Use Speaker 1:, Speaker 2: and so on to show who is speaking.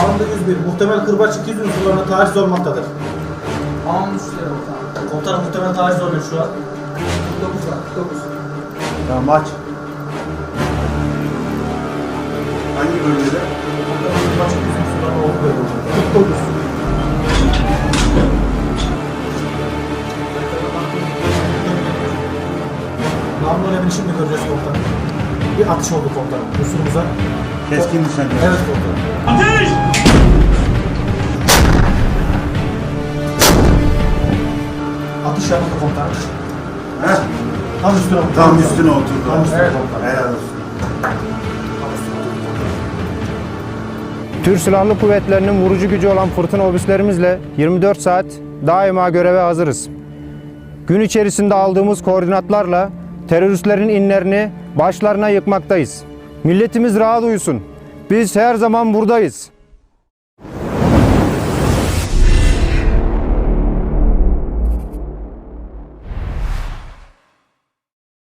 Speaker 1: Alanda 101. Muhtemel kırbaç 200 unsurlarına taciz olmaktadır.
Speaker 2: Almışlar komutanım.
Speaker 1: Komutanım muhtemel taciz oluyor şu an.
Speaker 2: 49 var. 49.
Speaker 3: Tamam aç. Hangi bölgede?
Speaker 1: Muhtemel kırbaç 200 unsurlarına oluyor. 49. Namlu önemini şimdi göreceğiz komutanım. Bir atış oldu komutanım. Unsurumuza.
Speaker 3: Keskin nişancı.
Speaker 1: Evet komutanım.
Speaker 4: Ateş!
Speaker 1: Atış yapıldı komutanım.
Speaker 3: Heh.
Speaker 1: Tam üstüne oturdu.
Speaker 3: Tam üstüne oturdu.
Speaker 1: Tam üstüne
Speaker 3: Evet.
Speaker 1: komutanım.
Speaker 3: Helal olsun.
Speaker 1: Tam üstüne oturdu komutanım.
Speaker 5: Türk Silahlı Kuvvetleri'nin vurucu gücü olan fırtına obüslerimizle 24 saat daima göreve hazırız. Gün içerisinde aldığımız koordinatlarla teröristlerin inlerini başlarına yıkmaktayız. Milletimiz rahat uyusun. Biz her zaman buradayız.